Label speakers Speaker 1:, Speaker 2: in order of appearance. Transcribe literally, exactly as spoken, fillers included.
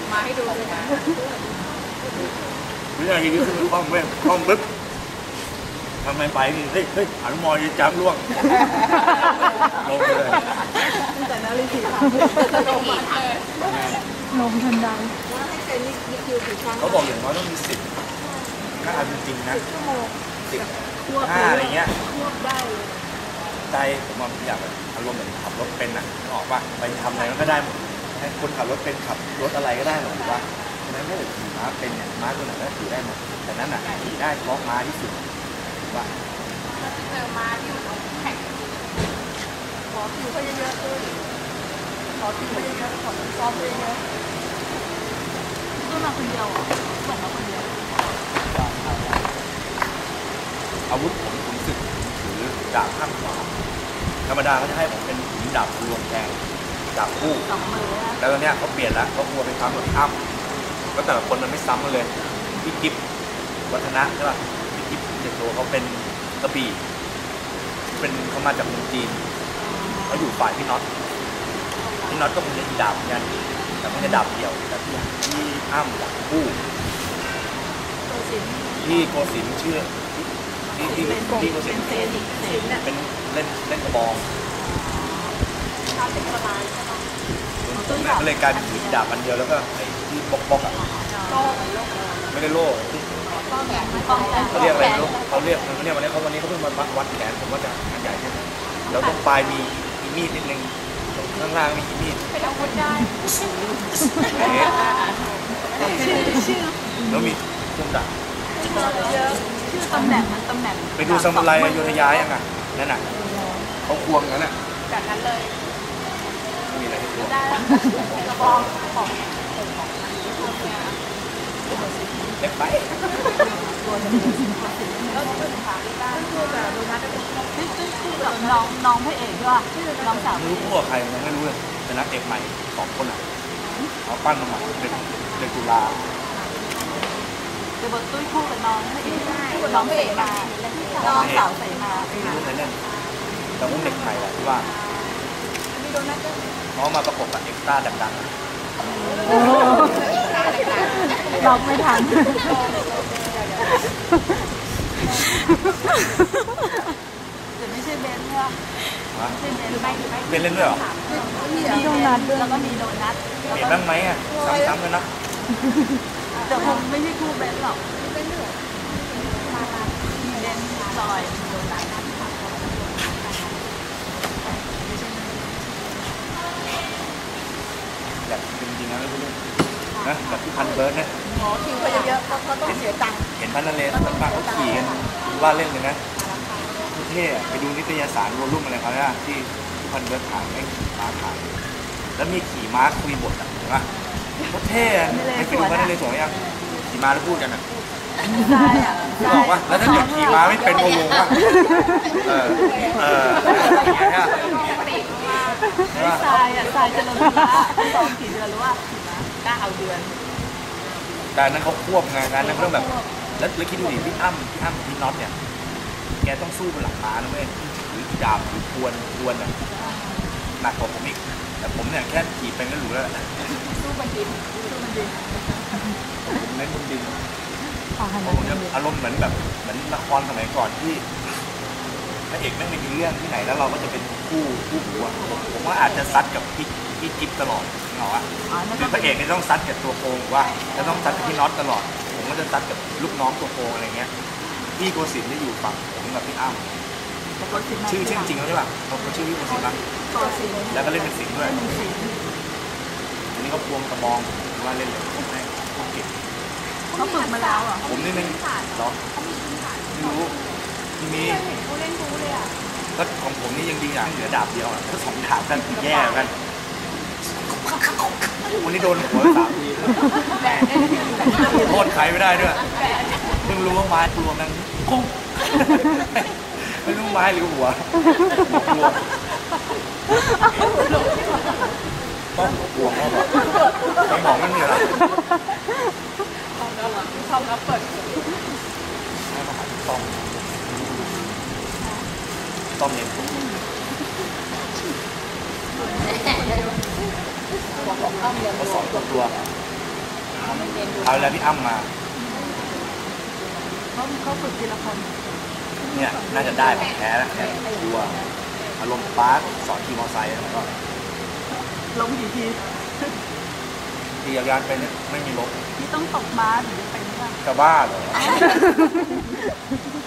Speaker 1: มาให้ดูเลยนะ
Speaker 2: วินาทีนี้คือคล่องเว้ยคล่องปึ๊บทำไมไปนี่เฮ้ยเฮ้ยอนุมอยืนจับล่วงลงเลย
Speaker 1: แต่นาฬิกาลงมาเลย
Speaker 3: ลงทันใด
Speaker 1: ว่าให้เป็นนี่คิวกี่ครั้ง
Speaker 2: เขาบอกอย่างน้อยต้องมีสิบถ้าเอาจริงๆนะสิบห้าอะไรเงี้ย
Speaker 1: ควบได้เลย
Speaker 2: ใจผมว่าอยากแบบอารมณ์เหมือนขับรถเป็นนะออกป่ะไปทำอะไรก็ได้หมดให้คนขับรถเป็นขับรถอะไรก็ได้หมดถูกป่ะฉะนั้นถ้าเกิดขี่ม้าเป็นเนี่ยม้าตัวไหนก็ขี่ได้หมดแต่นั้นอ่ะขี่ได้เพราะม้าที่สุดถูกป่ะ
Speaker 1: ถ้าเจอม้าที่มันแข่งขอคิวเขาเยอะๆด้วยขอคิวเขาเยอะๆขอซ้อมเยอะๆก็มาคนเดียวส่งมาคนเดียว
Speaker 2: อาวุธผมผมสึกถือดาบข้างขวาธรรมดาเขาจะให้ผมเป็นถือดาบรวมแทงดาบคู่แล้วตอนนี้เขาเปลี่ยนแล้วเขากลัวไปซ้ำกับอ้ำก็แต่ละคนมันไม่ซ้ำกันเลยพี่กิฟวัฒนะใช่ป่ะพี่กิฟเด็กโตเขาเป็นกระบี่เป็นเขามาจากเมืองจีนเขาอยู่ฝ่ายพี่น็อตพี่น็อตก็คงจะดาบเหมือนกันแต่ไม่ใช่ดาบเดี่ยวแต่ที่ที่อ้ำดาบคู่ที่โกศินทร์ชื่อที่ที่ที่โกศินทร์เป็นเล่นเล่นกระบองก็เลยกลายเป็นถือดาบอันเดียวแล้วก็ไอ้ที่บล็อกบล็อกอ่ะไม่ได้โล่เขาเรียกอะไรลูกเขาเรียกเขาเรียกวันนี้เขาวันนี้เขาเพิ่งมาวัดแขนผมว่าจะอันใหญ่ใช่ไหมแล้วตรงปลายมีมีดนิดนึงข้างล่างมีมีด
Speaker 1: เป็นอาวุธได้
Speaker 2: แล้วมีเครื่องดาบ
Speaker 1: ชื่อตำแหน่งมันตำแหน่ง
Speaker 2: ไปดูซามูไรอยุธยายังไงนั่นน่ะเขาควงกันน่ะ
Speaker 1: แบบนั้นเลย
Speaker 2: มีอะไรให้ควง
Speaker 1: ได้กระบองของ
Speaker 2: เล็กไป
Speaker 1: แล้วเป็นขาที่ได้คู่กับโดนัทเป็นคู่กับน้องน้องพระเอกด้วยน้องสาว
Speaker 2: ไม่รู้คู่กับใครยังไม่รู้เลยเป็นนักเอกใหม่สองคนอ่ะเขาปั้นมาใหม่เป็นเด็กตุลา
Speaker 1: เดี๋ยวบทตุ้ยคู่กับน้องพระเอกคู่กับน้องพระเอกมาน้องสาวใส่มา
Speaker 2: ไม่รู้ใครเล่นแต่พวกเด็กใหม่แหละที่ว่า
Speaker 1: มีโดนัทด้วย
Speaker 2: เขามาประกบกับเอ็กซ์ต้าดังๆ
Speaker 3: ล็อกไม่ทัน
Speaker 1: แต่ไม่ใช่เบนใช่ไหมไม่ใช่เบนหรือไม่หรือไม่
Speaker 2: เบนเล่นด้วยเหรอ
Speaker 3: มีโดนัทด้วย
Speaker 1: แล้วก็มีโดนัท
Speaker 2: เห็นบ้างไหมอ่ะซ้ำๆกันนะ
Speaker 1: แต่คงไม่ใช่คู่เบนหรอกเป็นเหนือมีเบนจอยโดนัท
Speaker 2: แบบจริงๆนะลูกนะแบบที่พันเบิร์ดเนี่ย
Speaker 1: หมอคิวเขาเยอะๆเพราะเขาต้องเสียตังค์
Speaker 2: เห็นพันนาเลสมันปากเขาขี่กันว่าเล่นเลยนะเท่ไปดูนิตยสารวอลลุ่มอะไรเขาเนี่ยที่ที่พันเบิร์ดถ่ายให้ม้าถ่ายแล้วมีขี่ม้าคุยบทอ่ะเห็นปะเขาเท่ไปไปดูพันนาเลสวยยังขี่ม้าแล้วพูดกันอ่ะบอกว่าแล้วถ้าเกิดขี่ม้าไม่เป็นโงงว่าเออเอออย่างเงี้ย
Speaker 1: ทรายอ่ะทรายจะลงม้าสองกี่เดือนหรือว่าเก้าเดือน
Speaker 2: การนั้นเขาควบงานการนั้นเขาต้องแบบแล้วแล้วคิดดูดิพี่อ้ำพี่อ้ำพี่น็อตเนี่ยแกต้องสู้บนหลังม้านะเว้ยหรือดาบหรือควนควนอ่ะหนักกว่าผมอีกแต่ผมเนี่ยแค่ขี่เป็นก็รู้แล้ว
Speaker 1: สู้บนดินสู้บนดิน
Speaker 2: เล่นบนดินผมจะอารมณ์เหมือนแบบเหมือนละครสมัยก่อนที่พระเอกไม่มีเรื่องที่ไหนแล้วเราก็จะเป็นคู่คู่หัวผมว่าอาจจะซัดกับพี่พี่จิ๊บตลอดเหรอวะคือพระเอกเนี่ยต้องซัดกับตัวโกงว่าจะต้องซัดกับพี่น็อตตลอดผมก็จะซัดกับลูกน้องตัวโกงอะไรเงี้ยพี่โกศินทร์จะอยู่ฝั่งผมกับพี่อ้ำชื่อชื่อจริงเขาใช่ป่ะเขาชื่อพี่โกศินทร์ป่ะแล้วก็เล่นเป็นสิงห์ด้วยอันนี้เขาพวงกระบองว่าเล่นเลยให้พวกเก่ง
Speaker 1: เขาฝึกมาแล้วอ่ะ
Speaker 2: ผมนี่ไม่หรอไม่รู้ที่มี
Speaker 1: เขาเล่นรู้เลยอ่ะ
Speaker 2: ก็ของผมนี่ยังดีอย่างเหลือดาบเดียวถ้าสองดาบกันแย่กันวันนี้โดนหัวสามทีโทษใครไม่ได้ด้วยเพิ่งรู้ว่าไม้กลัวมันกุ้งไม่รู้ไม้หรือหัวกลัวต้องกลัวเขาบอกไม่บอกไม่มีอะไร
Speaker 1: ชอบรับเปิด
Speaker 2: ให้มาหาต้อมต้อมเน้นเขาสอนตัวตัวเอาแล้วพี่อ้ำมา
Speaker 1: เขาเขาฝึกทีละคน
Speaker 2: เนี่ยน่าจะได้ของแท้แล้วแค่ชัวร์อารมณ์ปาร์คสอนขี่มอเตอร์ไซค์แล้วก็
Speaker 1: ล้มกี่ที
Speaker 2: ขี่จักรยานไปเนี่ยไม่มีล้ม
Speaker 1: พี่ต้องตกบาสถึงจะเป็นว่า
Speaker 2: จะบ้าเหรอ